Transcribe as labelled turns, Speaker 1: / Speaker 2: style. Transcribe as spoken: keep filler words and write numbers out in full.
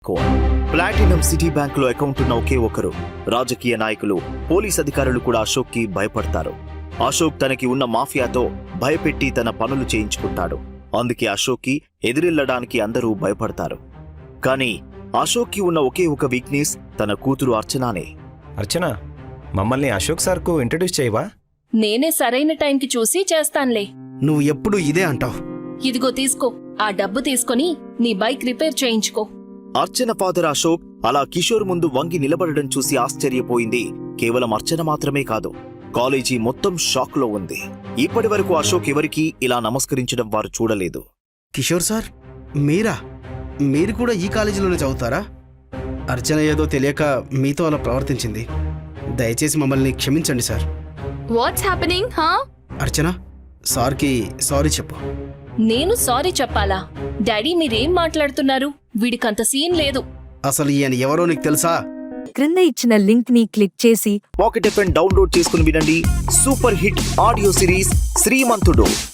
Speaker 1: Platinum city bank లో account ఉన్న ఒకే ఒకరు. రాజకీయ నాయకులు, పోలీస్ అధికారులు కూడా అశోక్ కి భయపడతారు. అశోక్ తనకి ఉన్న మాఫియాతో భయపెట్టి తన పనులు చేయించుకుంటాడు. అందుకే అశోక్ కి ఎదిరిల్లడానికి అందరూ భయపడతారు. కానీ అశోక్ కి ఉన్న ఒకే ఒక వీక్నెస్ తన కూతురు అర్చనానే.
Speaker 2: అర్చన, మమ్మల్ని అశోక్ సార్కు ఇంట్రడ్యూస్ చేయవా?
Speaker 3: నేనే సరైన టైంకి చూసి చేస్తాన్లే.
Speaker 4: నువ్వు ఎప్పుడు ఇదే అంటావు.
Speaker 3: ఇదిగో తీసుకో, ఆ డబ్బు తీసుకుని నీ బైక్ రిపేర్ చేయించుకో.
Speaker 1: అర్చన ఫాదర్ అశోక్ అలా కిషోర్ ముందు వంగి నిలబడడం చూసి ఆశ్చర్యపోయింది. కేవలం అర్చన మాత్రమే కాదు, కాలేజీ మొత్తం షాక్ లో ఉంది. ఇప్పటి వరకు అశోక్ ఎవరికీ ఇలా నమస్కరించడం వారు చూడలేదు.
Speaker 4: కిషోర్ సార్, మీరా? మీరు కూడా ఈ కాలేజీలోనే చదువుతారా? అర్చన ఏదో తెలియక మీతో అలా ప్రవర్తించింది. దయచేసి మమ్మల్ని క్షమించండి సార్.
Speaker 5: వాట్స్ హ్యాపెనింగ్ హా?
Speaker 4: అర్చన, సార్కి సారీ చెప్పు.
Speaker 3: నేను సారీ చెప్పాలా? డాడీ మీరేం మాట్లాడుతున్నారు? వీడికంత సీన్ లేదు.
Speaker 4: అసలు ఈయన ఎవరో నీకు తెలుసా?
Speaker 6: క్రింద ఇచ్చిన లింక్ ని క్లిక్ చేసి
Speaker 1: పాకెట్ ఎఫ్ డౌన్లోడ్ చేసుకుని వినండి సూపర్ హిట్ ఆడియో సిరీస్ శ్రీమంతుడు.